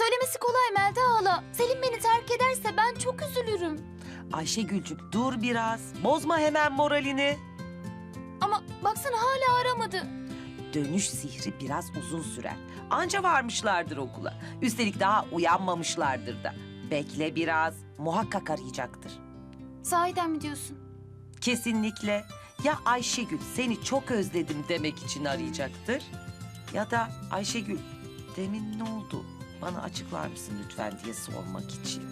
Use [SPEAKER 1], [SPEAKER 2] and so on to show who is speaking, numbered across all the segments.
[SPEAKER 1] Söylemesi kolay Melda hala. Selim beni terk ederse ben çok üzülürüm.
[SPEAKER 2] Ayşegülcük dur biraz. Bozma hemen moralini.
[SPEAKER 1] Ama baksana hala aramadı.
[SPEAKER 2] Dönüş sihri biraz uzun sürer. Anca varmışlardır okula. Üstelik daha uyanmamışlardır da. Bekle biraz. Muhakkak arayacaktır.
[SPEAKER 1] Sahiden mi diyorsun?
[SPEAKER 2] Kesinlikle. Ya Ayşegül seni çok özledim demek için arayacaktır. Ya da Ayşegül demin ne oldu? Bana açıklar mısın lütfen diye sormak için.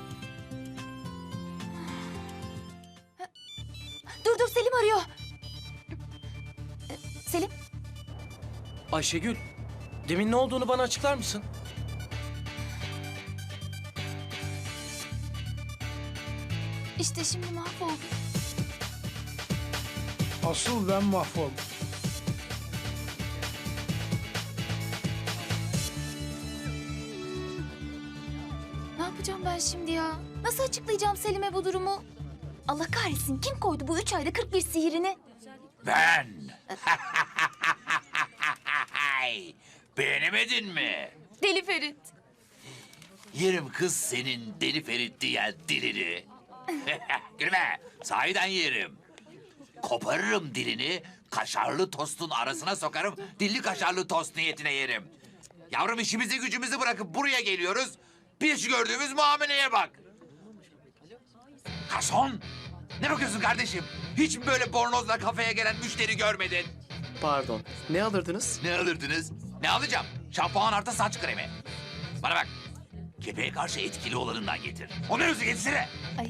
[SPEAKER 1] Dur Selim arıyor. Selim?
[SPEAKER 3] Ayşegül, demin ne olduğunu bana açıklar mısın?
[SPEAKER 1] İşte şimdi mahvoldum.
[SPEAKER 4] Asıl ben mahvoldum.
[SPEAKER 1] Ne yapacağım ben şimdi ya? Nasıl açıklayacağım Selim'e bu durumu? Allah kahretsin, kim koydu bu 3 ayda 41 sihirini?
[SPEAKER 5] Ben. Beğenemedin mi?
[SPEAKER 1] Deli Ferit.
[SPEAKER 5] Yerim kız senin deli Ferit diyen dilini. Gülme, sahiden yerim. Koparırım dilini, kaşarlı tostun arasına sokarım, dilli kaşarlı tost niyetine yerim. Yavrum işimizi gücümüzü bırakıp buraya geliyoruz. Bir şu gördüğümüz muameleye bak. Garson, ne bakıyorsun kardeşim? Hiç mi böyle bornozla kafeye gelen müşteri görmedin?
[SPEAKER 3] Pardon, ne alırdınız?
[SPEAKER 5] Ne alırdınız? Ne alacağım? Şampuan artı saç kremi. Bana bak. Kepeğe karşı etkili olanından getir. Onu özü getirsene.
[SPEAKER 1] Ay.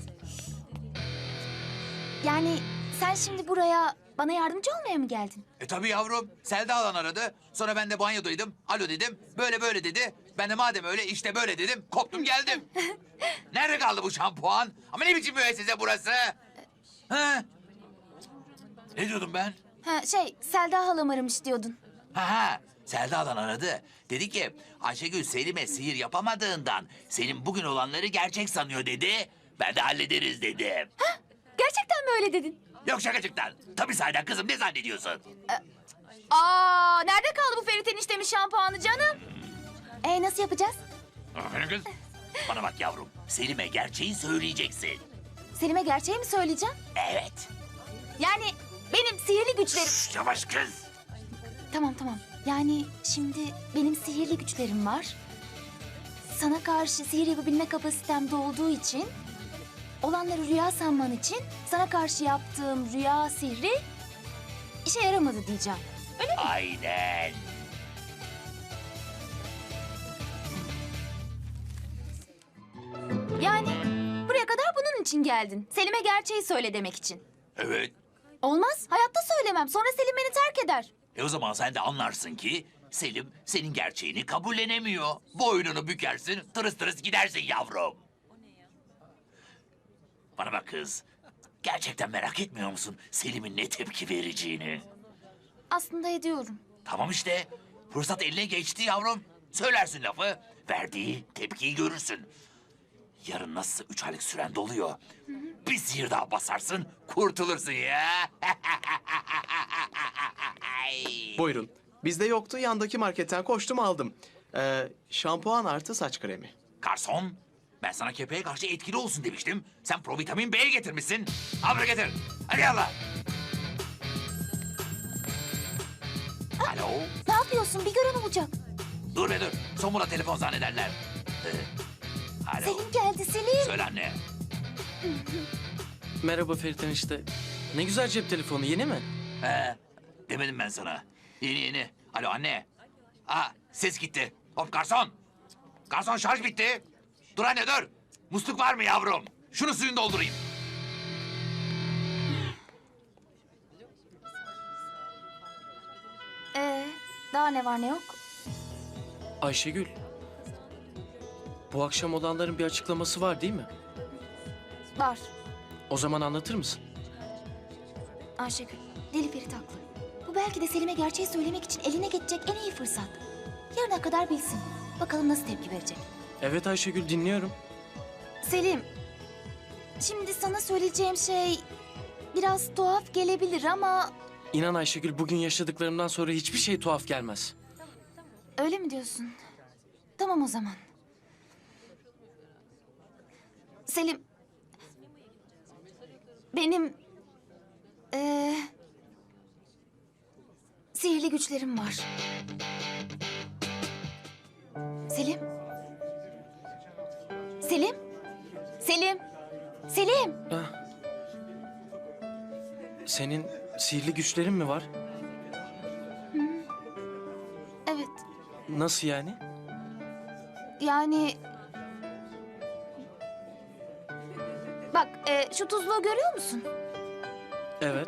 [SPEAKER 1] Yani sen şimdi buraya bana yardımcı olmaya mı geldin?
[SPEAKER 5] Tabii yavrum. Selda alan aradı. Sonra ben de banyodaydım. Alo dedim. Böyle böyle dedi. Ben de madem öyle işte böyle dedim. Koptum geldim. Nerede kaldı bu şampuan? Ama ne biçim müessese burası? Ha? Ne diyordum ben?
[SPEAKER 1] Ha Selda halam aramış diyordun.
[SPEAKER 5] Ha, Selda'dan aradı. Dedi ki Ayşegül Selim'e sihir yapamadığından Selim bugün olanları gerçek sanıyor dedi. Ben de hallederiz dedim.
[SPEAKER 1] Gerçekten mi öyle dedin?
[SPEAKER 5] Yok şakacıktan. Tabii sahiden kızım ne zannediyorsun?
[SPEAKER 1] Nerede kaldı bu Ferit eniştemin şampuanı canım? Nasıl yapacağız?
[SPEAKER 5] Aferin kız. Bana bak yavrum. Selim'e gerçeği söyleyeceksin.
[SPEAKER 1] Selim'e gerçeği mi söyleyeceğim?
[SPEAKER 5] Evet.
[SPEAKER 1] Yani benim sihirli güçlerim...
[SPEAKER 5] Şş, yavaş kız.
[SPEAKER 1] Tamam. Yani şimdi benim sihirli güçlerim var. Sana karşı sihir yapabilme kapasitemde olduğu için... olanları rüya sanman için sana karşı yaptığım rüya sihri işe yaramadı diyeceğim. Öyle mi?
[SPEAKER 5] Aynen.
[SPEAKER 1] Yani buraya kadar bunun için geldin. Selim'e gerçeği söyle demek için.
[SPEAKER 5] Evet.
[SPEAKER 1] Olmaz. Hayatta söylemem. Sonra Selim beni terk eder.
[SPEAKER 5] O zaman sen de anlarsın ki Selim senin gerçeğini kabullenemiyor. Boynunu bükersin, tırıs tırıs gidersin yavrum. Bana bak kız. Gerçekten merak etmiyor musun Selim'in ne tepki vereceğini?
[SPEAKER 1] Aslında ediyorum.
[SPEAKER 5] Tamam işte. Fırsat eline geçti yavrum. Söylersin lafı. Verdiği tepkiyi görürsün. Yarın nasılsa 3 aylık süren doluyor. Bir sihir daha basarsın, kurtulursun ya.
[SPEAKER 3] Buyurun. Bizde yoktu, yandaki marketten koştum aldım. Şampuan artı saç kremi.
[SPEAKER 5] Garson, ben sana kepeğe karşı etkili olsun demiştim. Sen provitamin B'ye getirmişsin. Al bunu getir. Hadi yallah. Alo.
[SPEAKER 1] Ne yapıyorsun? Bir gören olacak.
[SPEAKER 5] Dur be dur. Somura telefon zannederler. Alo.
[SPEAKER 1] Selim geldi Selim.
[SPEAKER 5] Söyle anne.
[SPEAKER 3] Merhaba Ferit enişte. Ne güzel cep telefonu, yeni mi?
[SPEAKER 5] Demedim ben sana. Yeni yeni. Alo anne. Ses gitti. Hop garson. Garson şarj bitti. Dur anne dur. Musluk var mı yavrum? Şunu suyunu doldurayım.
[SPEAKER 1] Daha ne var ne yok?
[SPEAKER 3] Ayşegül. Bu akşam olanların bir açıklaması var değil mi?
[SPEAKER 1] Var.
[SPEAKER 3] O zaman anlatır mısın?
[SPEAKER 1] Ayşegül, Deli Ferit haklı. Bu belki de Selim'e gerçeği söylemek için eline geçecek en iyi fırsat. Yarına kadar bilsin. Bakalım nasıl tepki verecek.
[SPEAKER 3] Evet Ayşegül, dinliyorum.
[SPEAKER 1] Selim, şimdi sana söyleyeceğim şey biraz tuhaf gelebilir ama...
[SPEAKER 3] İnan Ayşegül, bugün yaşadıklarımdan sonra hiçbir şey tuhaf gelmez.
[SPEAKER 1] Öyle mi diyorsun? Tamam o zaman. Selim. Benim sihirli güçlerim var. Selim. Selim. Selim. Selim.
[SPEAKER 6] Senin sihirli güçlerin mi var?
[SPEAKER 1] Evet.
[SPEAKER 6] Nasıl yani?
[SPEAKER 1] Yani... Bak şu tuzluğu görüyor musun?
[SPEAKER 6] Evet.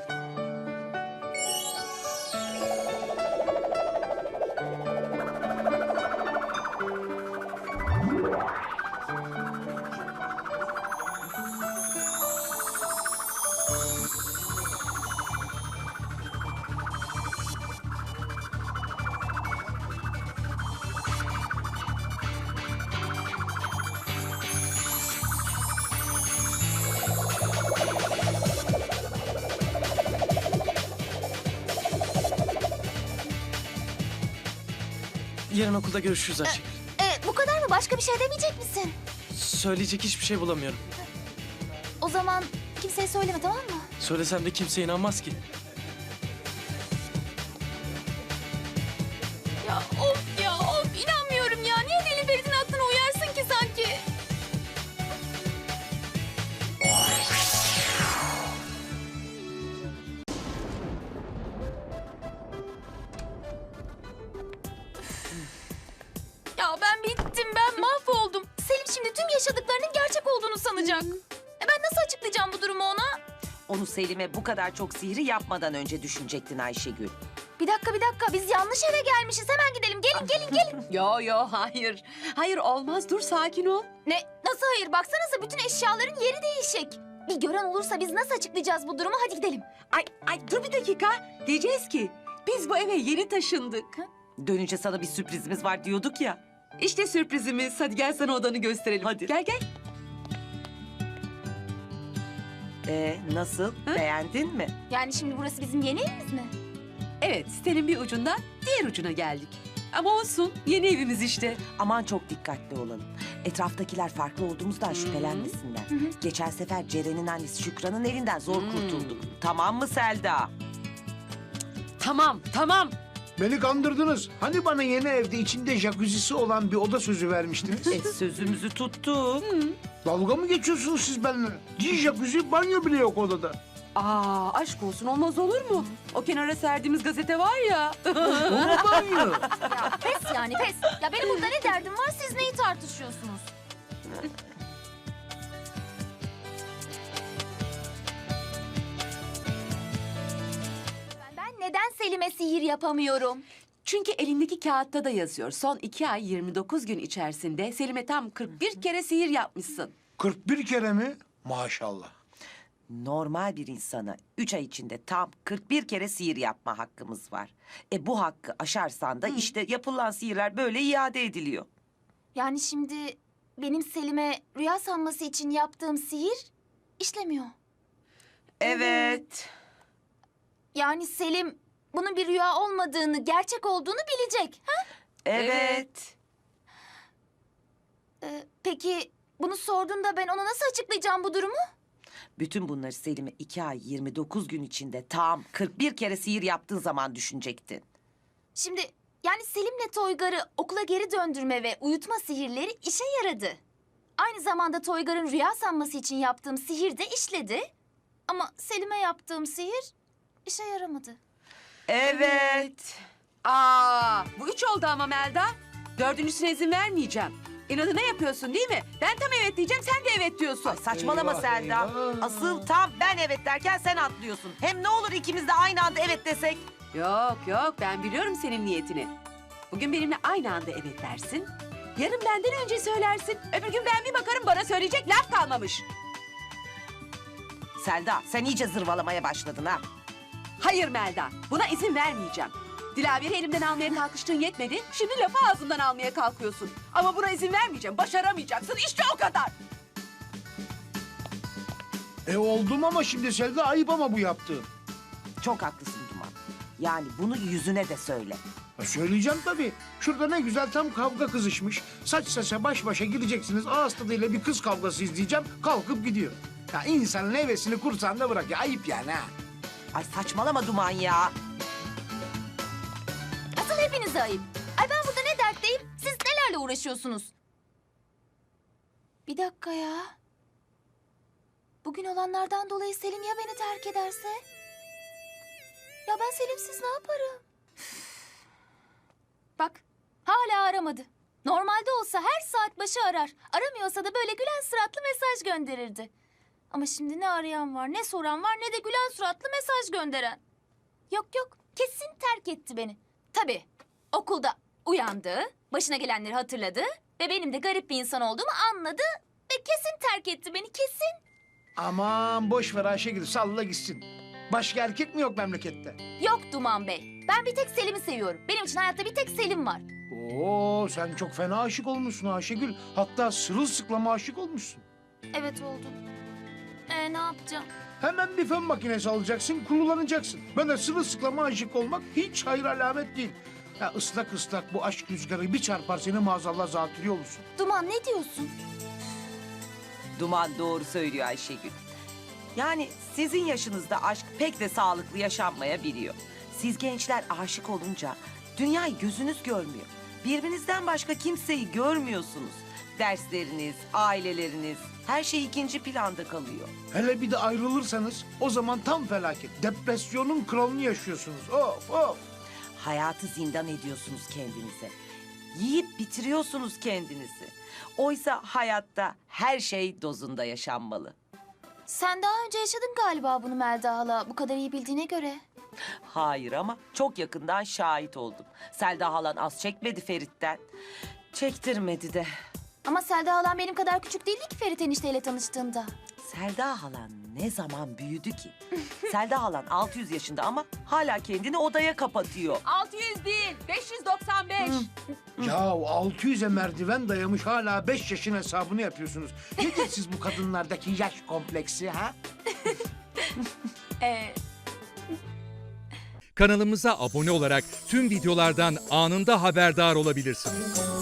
[SPEAKER 6] Yarın okulda görüşürüz Ayşegül.
[SPEAKER 1] Bu kadar mı? Başka bir şey demeyecek misin?
[SPEAKER 6] Söyleyecek hiçbir şey bulamıyorum.
[SPEAKER 1] O zaman kimseye söyleme, tamam mı?
[SPEAKER 6] Söylesem de kimse inanmaz ki.
[SPEAKER 1] Ya of inanmıyorum ya. Niye Deli Ferit'in aklına uyarsın ki sanki? Ya ben bittim, ben mahvoldum. Selim şimdi tüm yaşadıklarının gerçek olduğunu sanacak. Ben nasıl açıklayacağım bu durumu ona?
[SPEAKER 2] Onu Selim'e bu kadar çok sihri yapmadan önce düşünecektin Ayşegül.
[SPEAKER 1] Bir dakika, biz yanlış eve gelmişiz. Hemen gidelim, gelin.
[SPEAKER 7] Yo hayır. Hayır olmaz dur sakin ol.
[SPEAKER 1] Ne? Nasıl hayır? Baksanıza bütün eşyaların yeri değişik. Bir gören olursa biz nasıl açıklayacağız bu durumu? Hadi gidelim.
[SPEAKER 7] Ay dur bir dakika. Diyeceğiz ki biz bu eve yeni taşındık.
[SPEAKER 2] Dönünce sana bir sürprizimiz var diyorduk ya.
[SPEAKER 7] İşte sürprizimiz. Hadi gel sana odanı gösterelim.
[SPEAKER 2] Hadi.
[SPEAKER 7] Gel.
[SPEAKER 2] Nasıl? Beğendin mi?
[SPEAKER 1] Yani şimdi burası bizim yeni evimiz mi?
[SPEAKER 7] Evet sitenin bir ucundan diğer ucuna geldik. Ama olsun yeni evimiz işte.
[SPEAKER 2] Aman çok dikkatli olalım. Etraftakiler farklı olduğumuzdan şüphelenmesinler. Geçen sefer Ceren'in annesi Şükran'ın elinden zor kurtulduk. Tamam mı Selda?
[SPEAKER 7] Tamam.
[SPEAKER 4] Beni kandırdınız. Hani bana yeni evde içinde jacuzzi'si olan bir oda sözü vermiştiniz?
[SPEAKER 2] Sözümüzü tuttuk.
[SPEAKER 4] Dalga mı geçiyorsunuz siz benimle? Jacuzzi, banyo bile yok odada.
[SPEAKER 7] Aşk olsun olmaz olur mu? O kenara serdiğimiz gazete var ya.
[SPEAKER 4] Ona banyo.
[SPEAKER 1] Ya pes yani pes. Ya benim burada ne derdim var, siz neyi tartışıyorsunuz? Ben neden Selim'e sihir yapamıyorum?
[SPEAKER 7] Çünkü elindeki kağıtta da yazıyor. Son 2 ay 29 gün içerisinde Selim'e tam 41 kere sihir yapmışsın.
[SPEAKER 4] 41 kere mi? Maşallah.
[SPEAKER 2] Normal bir insana 3 ay içinde tam 41 kere sihir yapma hakkımız var. Bu hakkı aşarsan da işte yapılan sihirler böyle iade ediliyor.
[SPEAKER 1] Yani şimdi benim Selim'e rüya sanması için yaptığım sihir işlemiyor.
[SPEAKER 2] Evet.
[SPEAKER 1] Yani Selim bunun bir rüya olmadığını, gerçek olduğunu bilecek. Ha?
[SPEAKER 2] Evet.
[SPEAKER 1] Peki bunu sorduğunda ben ona nasıl açıklayacağım bu durumu?
[SPEAKER 2] Bütün bunları Selim'e 2 ay 29 gün içinde tam 41 kere sihir yaptığın zaman düşünecektin.
[SPEAKER 1] Şimdi yani Selim'le Toygar'ı okula geri döndürme ve uyutma sihirleri işe yaradı. Aynı zamanda Toygar'ın rüya sanması için yaptığım sihir de işledi. Ama Selim'e yaptığım sihir işe yaramadı.
[SPEAKER 2] Evet.
[SPEAKER 7] Bu 3 oldu ama Melda. 4.'süne izin vermeyeceğim. İnadına yapıyorsun değil mi? Ben tam evet diyeceğim, sen de evet diyorsun.
[SPEAKER 2] Ay saçmalama
[SPEAKER 4] Eyvah,
[SPEAKER 2] Selda.
[SPEAKER 4] eyvah.
[SPEAKER 2] Asıl tam ben evet derken sen atlıyorsun. Hem ne olur ikimiz de aynı anda evet desek.
[SPEAKER 7] Yok, ben biliyorum senin niyetini. Bugün benimle aynı anda evet dersin. Yarın benden önce söylersin. Öbür gün ben bir bakarım bana söyleyecek laf kalmamış.
[SPEAKER 2] Selda sen iyice zırvalamaya başladın ha.
[SPEAKER 7] Hayır Melda, buna izin vermeyeceğim. Dilaver'i elimden almaya kalkıştığın yetmedi. Şimdi lafı ağzımdan almaya kalkıyorsun. Ama buna izin vermeyeceğim. Başaramayacaksın. İşte o kadar.
[SPEAKER 4] Oldum ama şimdi Selda, ayıp ama bu yaptığın.
[SPEAKER 2] Çok haklısın Duman. Yani bunu yüzüne de söyle.
[SPEAKER 4] Söyleyeceğim tabii. Şurada ne güzel tam kavga kızışmış. Saç saça baş başa gideceksiniz. Ağız tadıyla bir kız kavgası izleyeceğim. Kalkıp gidiyor. Ya insanın hevesini kursağında bırak ya. Ayıp yani ha.
[SPEAKER 2] Ay saçmalama Duman ya.
[SPEAKER 1] Asıl hepinize ayıp. Ay ben burada ne dertteyim? Siz nelerle uğraşıyorsunuz? Bir dakika ya. Bugün olanlardan dolayı Selim ya beni terk ederse? Ya ben Selimsiz ne yaparım? Bak hala aramadı. Normalde olsa her saat başı arar. Aramıyorsa da böyle gülen suratlı mesaj gönderirdi. Ama şimdi ne arayan var, ne soran var, ne de gülen suratlı mesaj gönderen. Yok yok, kesin terk etti beni. Tabii, okulda uyandı, başına gelenleri hatırladı ve benim de garip bir insan olduğumu anladı ve kesin terk etti beni, kesin.
[SPEAKER 4] Aman boş ver Ayşegül, salla gitsin. Başka erkek mi yok memlekette?
[SPEAKER 1] Yok Duman Bey, ben bir tek Selim'i seviyorum. Benim için hayatta bir tek Selim var.
[SPEAKER 4] Oo, sen çok fena aşık olmuşsun Ayşegül. Hatta sırılsıklama aşık olmuşsun.
[SPEAKER 1] Evet oldum. Ne yapacağım?
[SPEAKER 4] Hemen bir fön makinesi alacaksın, kullanılacaksın. Böyle sırılsıklama aşık olmak hiç hayır alamet değil. Ya ıslak ıslak bu aşk rüzgarı bir çarpar seni maazallah zatürre olursun.
[SPEAKER 1] Duman ne diyorsun?
[SPEAKER 2] Duman doğru söylüyor Ayşegül. Yani sizin yaşınızda aşk pek de sağlıklı yaşanmayabiliyor. Siz gençler aşık olunca dünyayı gözünüz görmüyor. Birbirinizden başka kimseyi görmüyorsunuz. Dersleriniz, aileleriniz, her şey ikinci planda kalıyor.
[SPEAKER 4] Hele bir de ayrılırsanız o zaman tam felaket. Depresyonun kralını yaşıyorsunuz. Of of.
[SPEAKER 2] Hayatı zindan ediyorsunuz kendinize. Yiyip bitiriyorsunuz kendinizi. Oysa hayatta her şey dozunda yaşanmalı.
[SPEAKER 1] Sen daha önce yaşadın galiba bunu Melda hala, bu kadar iyi bildiğine göre.
[SPEAKER 2] Hayır ama çok yakından şahit oldum. Selda halan az çekmedi Ferit'ten. Çektirmedi de.
[SPEAKER 1] Ama Selda halam benim kadar küçük değildi ki Ferit enişteyle tanıştığında.
[SPEAKER 2] Selda halan ne zaman büyüdü ki? Selda halan 600 yaşında ama hala kendini odaya kapatıyor.
[SPEAKER 7] 600 değil, 595.
[SPEAKER 4] Ya 600'e merdiven dayamış hala 5 yaşın hesabını yapıyorsunuz. Nedir siz bu kadınlardaki yaş kompleksi ha?
[SPEAKER 8] Kanalımıza abone olarak tüm videolardan anında haberdar olabilirsiniz.